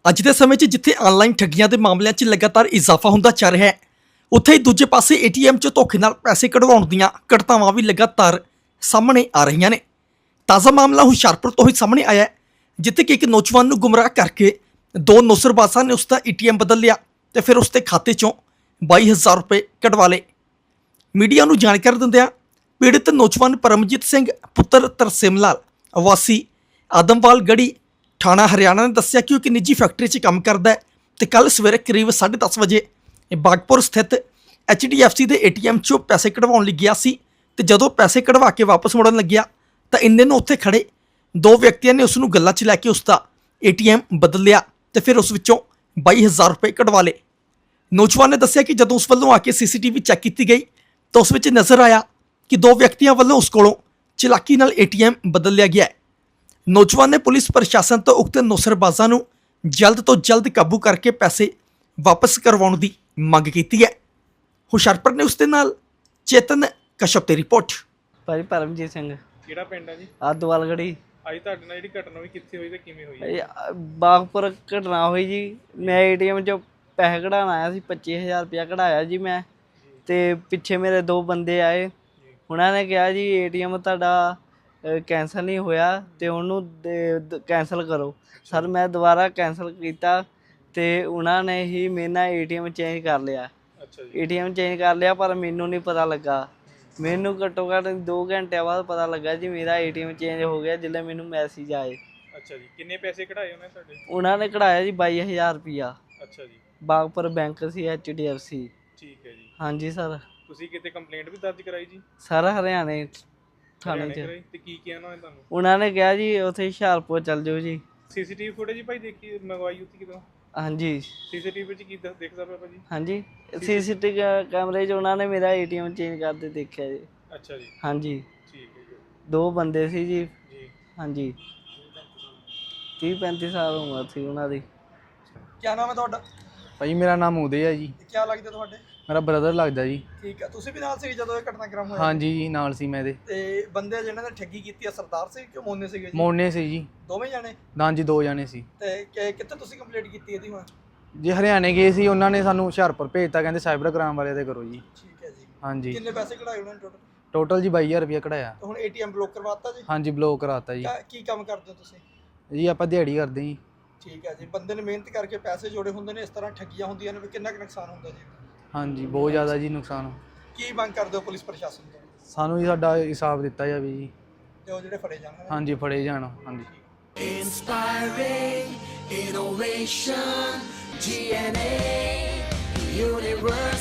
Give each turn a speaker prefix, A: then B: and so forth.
A: ਅੱਜ ਦੇ ਸਮੇਂ 'ਚ ਜਿੱਥੇ ਆਨਲਾਈਨ ਠੱਗੀਆਂ ਦੇ ਮਾਮਲਿਆਂ 'ਚ ਲਗਾਤਾਰ ਇਜ਼ਾਫਾ ਹੁੰਦਾ ਚੱਲ ਰਿਹਾ ਹੈ, ਉੱਥੇ ਹੀ ਦੂਜੇ ਪਾਸੇ ਏਟੀਐਮ 'ਚ ਧੋਖੇ ਨਾਲ ਪੈਸੇ ਕਢਵਾਉਣ ਦੀਆਂ ਘਟਨਾਵਾਂ ਵੀ ਲਗਾਤਾਰ ਸਾਹਮਣੇ ਆ ਰਹੀਆਂ ਨੇ। ਤਾਜ਼ਾ ਮਾਮਲਾ ਹੁਸ਼ਿਆਰਪੁਰ ਤੋਂ ਹੀ ਸਾਹਮਣੇ ਆਇਆ ਹੈ, ਜਿੱਥੇ ਕਿ ਇੱਕ ਨੌਜਵਾਨ ਨੂੰ ਗੁੰਮਰਾਹ ਕਰਕੇ ਦੋ ਨੌਸਰਬਾਜ਼ਾਂ ਨੇ ਉਸ ਦਾ ਏਟੀਐਮ ਬਦਲ ਲਿਆ ਤੇ ਫਿਰ ਉਸ ਦੇ ਖਾਤੇ 'ਚੋਂ 22,000 ਰੁਪਏ ਕਢਵਾ ਲਏ। ਮੀਡੀਆ ਨੂੰ ਜਾਣਕਾਰੀ ਦਿੰਦਿਆਂ ਪੀੜਤ ਨੌਜਵਾਨ ਪਰਮਜੀਤ ਸਿੰਘ ਪੁੱਤਰ ਤਰਸੇਮ ਲਾਲ ਵਾਸੀ ਆਦਮਵਾਲ ਗੜੀ ਥਾਣਾ ਹਰਿਆਣਾ ਨੇ ਦੱਸਿਆ ਕਿ ਉਹ ਇੱਕ ਨਿੱਜੀ ਫੈਕਟਰੀ 'ਚ ਕੰਮ ਕਰਦਾ ਹੈ ਤੇ ਕੱਲ ਸਵੇਰੇ ਕਰੀਬ 10:30 ਵਜੇ ਬਾਗਪੁਰ ਸਥਿਤ HDFC ਦੇ ATM 'ਚੋਂ ਪੈਸੇ ਕਢਵਾਉਣ ਲਈ ਗਿਆ ਸੀ ਤੇ ਜਦੋਂ ਪੈਸੇ ਕਢਵਾ ਕੇ ਵਾਪਸ ਮੁੜਨ ਲੱਗਿਆ ਤਾਂ ਇੰਨੇ ਨੂੰ ਉੱਥੇ ਖੜੇ ਦੋ ਵਿਅਕਤੀਆਂ ਨੇ ਉਸ ਨੂੰ ਗੱਲਾਂ 'ਚ ਲੈ ਕੇ ਉਸ ਦਾ ATM ਬਦਲ ਲਿਆ ਤੇ ਫਿਰ ਉਸ ਵਿੱਚੋਂ 22,000 ਰੁਪਏ ਕਢਵਾ ਲਏ। ਨੌਜਵਾਨ ਨੇ ਦੱਸਿਆ ਕਿ ਜਦੋਂ ਉਸ ਵੱਲੋਂ ਆ ਕੇ CCTV ਚੈੱਕ ਕੀਤੀ ਗਈ ਤਾਂ ਉਸ ਵਿੱਚ ਨਜ਼ਰ ਆਇਆ ਕਿ ਦੋ ਵਿਅਕਤੀਆਂ ਵੱਲੋਂ ਉਸ ਕੋਲੋਂ ਚਲਾਕੀ ਨਾਲ ATM ਬਦਲ ਲਿਆ ਗਿਆ ਹੈ। ਨੌਜਵਾਨ ਨੇ ਪੁਲਿਸ ਪ੍ਰਸ਼ਾਸਨ ਤੋਂ ਉਕਤ ਨੌਸਰਬਾਜ਼ਾਂ ਨੂੰ ਜਲਦ ਤੋਂ ਜਲਦ ਕਾਬੂ ਕਰਕੇ ਪੈਸੇ ਵਾਪਸ ਕਰਵਾਉਣ ਦੀ ਮੰਗ ਕੀਤੀ ਹੈ। ਹੁਸ਼ਿਆਰਪੁਰ ਨੇ ਉਸ ਦੇ ਨਾਲ ਚੇਤਨ ਕਸ਼ਪ ਦੀ ਰਿਪੋਰਟ।
B: ਭਾਜੀ ਪਰਮਜੀਤ ਸਿੰਘ,
C: ਕਿਹੜਾ ਪਿੰਡ ਹੈ ਜੀ?
B: ਆਦਵਾਲ ਗੜੀ।
C: ਅੱਜ ਤੁਹਾਡੇ ਨਾਲ ਜਿਹੜੀ ਘਟਨਾ ਹੋਈ ਕਿੱਥੇ ਹੋਈ ਤੇ ਕਿਵੇਂ ਹੋਈ?
B: ਬਾਗਪੁਰ ਘਟਨਾ ਹੋਈ ਜੀ। ਮੈਂ ATM 'ਚੋਂ ਪੈਸੇ ਕਢਾਉਣ ਆਇਆ ਸੀ, 25,000 ਰੁਪਇਆ ਕਢਾਇਆ ਜੀ ਮੈਂ। ਤੇ ਪਿੱਛੇ ਮੇਰੇ ਦੋ ਬੰਦੇ ਆਏ, ਉਹਨਾਂ ਨੇ ਕਿਹਾ ਜੀ ATM ਤੁਹਾਡਾ ਕੈਂਸਲ ਨਹੀਂ ਹੋਇਆ ਤੇ ਉਹਨੂੰ ਕੈਂਸਲ ਕਰੋ। ਸਰ ਮੈਂ ਦੁਬਾਰਾ ਕੈਂਸਲ ਕੀਤਾ ਤੇ ਉਹਨਾਂ ਨੇ ਹੀ ਮੇਰੇ ਨਾਲ ATM ਚੇਂਜ ਕਰ ਲਿਆ।
C: ਅੱਛਾ ਜੀ।
B: ATM ਚੇਂਜ ਕਰ ਲਿਆ ਪਰ ਮੈਨੂੰ ਨਹੀਂ ਪਤਾ ਲੱਗਾ। ਮੈਨੂੰ ਘੱਟੋ ਘੱਟ 2 ਘੰਟਿਆਂ ਬਾਅਦ ਪਤਾ ਲੱਗਾ ਜੀ ਮੇਰਾ ATM ਚੇਂਜ ਹੋ ਗਿਆ, ਜਦੋਂ ਮੈਨੂੰ ਮੈਸੇਜ ਆਏ।
C: ਅੱਛਾ ਜੀ। ਕਿੰਨੇ ਪੈਸੇ ਕਢਾਏ ਉਹਨੇ ਤੁਹਾਡੇ?
B: ਉਹਨਾਂ ਨੇ ਕਢਾਇਆ ਜੀ 22,000 ਰੁਪਇਆ।
C: ਅੱਛਾ ਜੀ।
B: ਬਾਗਪੁਰ ਬੈਂਕ ਸੀ HDFC।
C: ਠੀਕ ਹੈ ਜੀ।
B: ਹਾਂਜੀ ਸਰ।
C: ਤੁਸੀਂ ਕਿਤੇ ਕੰਪਲੇਂਟ ਵੀ ਦਰਜ ਕਰਾਈ ਜੀ?
B: ਸਰ ਹਰਿਆਣੇ ਥਾਣੇ 'ਚ।
C: ਤੇ ਕੀ ਕਿਹਾ ਉਹਨਾਂ ਨੇ ਤੁਹਾਨੂੰ?
B: ਉਹਨਾਂ ਨੇ ਕਿਹਾ ਜੀ ਉੱਥੇ ਹੁਸ਼ਿਆਰਪੁਰ ਚੱਲ ਜਾਓ ਜੀ।
C: CCTV ਫੁਟੇਜ ਭਾਈ ਦੇਖੀ ਮੰਗਵਾਈ ਉੱਥੇ ਕਿਦੋਂ?
B: ਹਾਂਜੀ।
C: CCTV ਵਿੱਚ ਕੀ ਦੇਖਦਾ ਪਿਆ ਭਾਜੀ?
B: ਹਾਂਜੀ CCTV ਕੈਮਰੇ 'ਚ ਉਹਨਾਂ ਨੇ ਮੇਰਾ ATM ਚੇਂਜ ਕਰਦੇ ਦੇਖਿਆ ਜੀ।
C: ਅੱਛਾ ਜੀ।
B: ਹਾਂਜੀ।
C: ਠੀਕ ਹੈ ਜੀ।
B: ਦੋ ਬੰਦੇ ਸੀ ਜੀ।
C: ਜੀ।
B: ਹਾਂਜੀ 30-35 ਸਾਲ ਉਮਰ ਸੀ ਉਹਨਾਂ ਦੀ।
A: ਕੀ ਨਾਮ ਹੈ ਤੁਹਾਡਾ?
D: ਭਾਜੀ ਮੇਰਾ ਨਾਮ ਉਦੈ ਹੈ ਜੀ।
A: ਕੀ ਲੱਗਦਾ ਤੁਹਾਡੇ?
D: ਮੇਰਾ ਬ੍ਰਦਰ ਲੱਗਦਾ ਜੀ।
A: ਠੀਕ ਹੈ, ਤੁਸੀਂ ਵੀ ਨਾਲ ਸੀ ਜਦੋਂ ਇਹ ਘਟਨਾਕ੍ਰਮ ਹੋਇਆ?
D: ਹਾਂਜੀ ਜੀ ਨਾਲ ਸੀ ਮੈਂ ਇਹਦੇ।
A: ਤੇ ਬੰਦੇ ਜਿਹਨਾਂ ਨੇ ਠੱਗੀ ਕੀਤੀ ਆ ਸਰਦਾਰ ਸੀ ਕਿ ਮੋਨੇ ਸੀਗੇ ਜੀ?
D: ਮੋਨੇ ਸੀ ਜੀ।
A: ਦੋਵੇਂ ਜਾਣੇ?
D: ਹਾਂਜੀ 2 ਜਾਣੇ ਸੀ।
A: ਤੇ ਕਿੱਥੇ ਤੁਸੀਂ ਕੰਪਲੀਟ ਕੀਤੀ ਇਹਦੀ ਹੁਣ?
D: ਜੀ ਹਰਿਆਣੇ ਗਏ ਸੀ, ਉਹਨਾਂ ਨੇ ਸਾਨੂੰ ਹੁਸ਼ਿਆਰਪੁਰ ਭੇਜਤਾ, ਕਹਿੰਦੇ ਸਾਈਬਰ ਕ੍ਰਾਈਮ ਵਾਲੇ ਤੇ ਕਰੋ ਜੀ।
A: ਠੀਕ ਹੈ ਜੀ।
D: ਹਾਂਜੀ।
A: ਕਿੰਨੇ ਪੈਸੇ ਕਢਾਏ ਉਹਨਾਂ ਨੇ ਟੋਟਲ?
D: ਟੋਟਲ ਜੀ 22,000 ਰੁਪਇਆ ਕਢਾਇਆ।
A: ਹੁਣ ATM ਬਲੌਕ ਕਰਵਾਤਾ ਜੀ?
D: ਹਾਂਜੀ ਬਲੌਕ ਕਰਾਤਾ ਜੀ।
A: ਕੀ ਕੰਮ ਕਰਦੇ ਹੋ ਤੁਸੀਂ?
D: ਜੀ ਆਪਾਂ ਦਿਹਾੜੀ ਕਰਦੇ ਜੀ।
A: ਠੀਕ ਹੈ ਜੀ। ਬੰਦੇ ਨੇ ਮਿਹਨਤ ਕਰਕੇ ਪੈਸੇ ਜੋੜੇ ਹੁੰਦੇ ਨੇ, ਇਸ ਤਰ੍ਹਾਂ ਠੱਗੀਆਂ ਹੁੰਦੀਆਂ ਨੇ, ਵੀ ਕਿੰਨਾ ਕੁ ਨੁਕਸਾਨ ਹੁੰਦਾ ਜੀ?
D: ਹਾਂਜੀ ਬਹੁਤ ਜ਼ਿਆਦਾ ਜੀ ਨੁਕਸਾਨ।
A: ਕੀ ਮੰਗ ਕਰਦੇ ਹੋ ਪੁਲਿਸ ਪ੍ਰਸ਼ਾਸਨ ਤੋਂ?
D: ਸਾਨੂੰ ਜੀ ਸਾਡਾ ਹਿਸਾਬ ਦਿੱਤਾ ਜਾਵੇ ਜੀ।
A: ਤੇ ਉਹ ਜਿਹੜੇ ਫੜੇ ਜਾਣ।
D: ਹਾਂਜੀ ਫੜੇ ਜਾਣ। ਹਾਂਜੀ।
E: Inspiring innovation, GNA University.